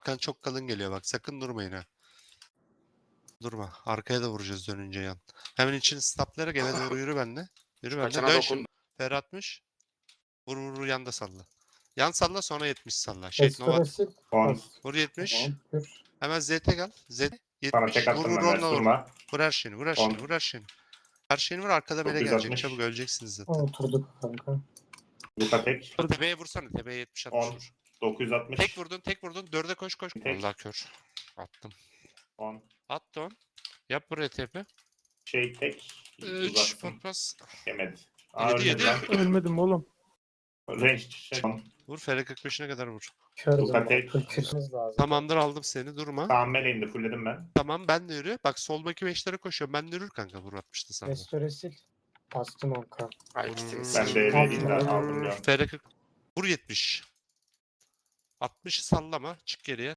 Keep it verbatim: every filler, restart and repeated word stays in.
Kan çok kalın geliyor bak. Sakın durmayın ha. Durma. Arkaya da vuracağız dönünce yan. Hemen içini staplayarak eve doğru yürü benimle. Yürü benimle. Kaçana Dön dokun. şimdi. Fer atmış. Vur vur vur yanda salla. Yan salla sonra yetmiş salla. Şey Nova. Estoresi on. pas. Vur yetmiş. Tamam. Kür. Hemen Z T gel. Z Sana yetmiş. tek Vur attım vur ben onunla ders vur. durma. Vur her şeyini. Vur her On. şeyini. Vur her şeyini. Her şeyini vur arkada mele dokuz yüz gelecek. altmış. Çabuk öleceksiniz zaten. Oturduk kanka. Luka tek. Tepeye vursana. Tepeye yetmiş altmış on. vur. dokuz yüz altmış. Tek vurdun tek vurdun. Dörde koş koş. Tek. Allah kör. Attım. on. Attı on. Yap buraya tepe. Şey tek. üç Uzatsın. patmaz. Yemedi. Aa Yedi, ölmedi yedi. lan. Ölmedim oğlum. Range şey. on. Vur Fere kırk beşine kadar vur. Kördüm Luka ben. tek. Kürümüz lazım. Tamamdır aldım seni durma. Tamam meleğinde fullledim ben. Tamam ben de yürü. Bak soldaki beşlere koşuyorum. Ben de yürür kanka vur altmıştı sana. Estoresi bastım onka. Ay ikisini Ben sikeyim. de Altı. elinde aldım ya. Fere kırk. Vur yetmiş. altmışı sallama. Çık geriye.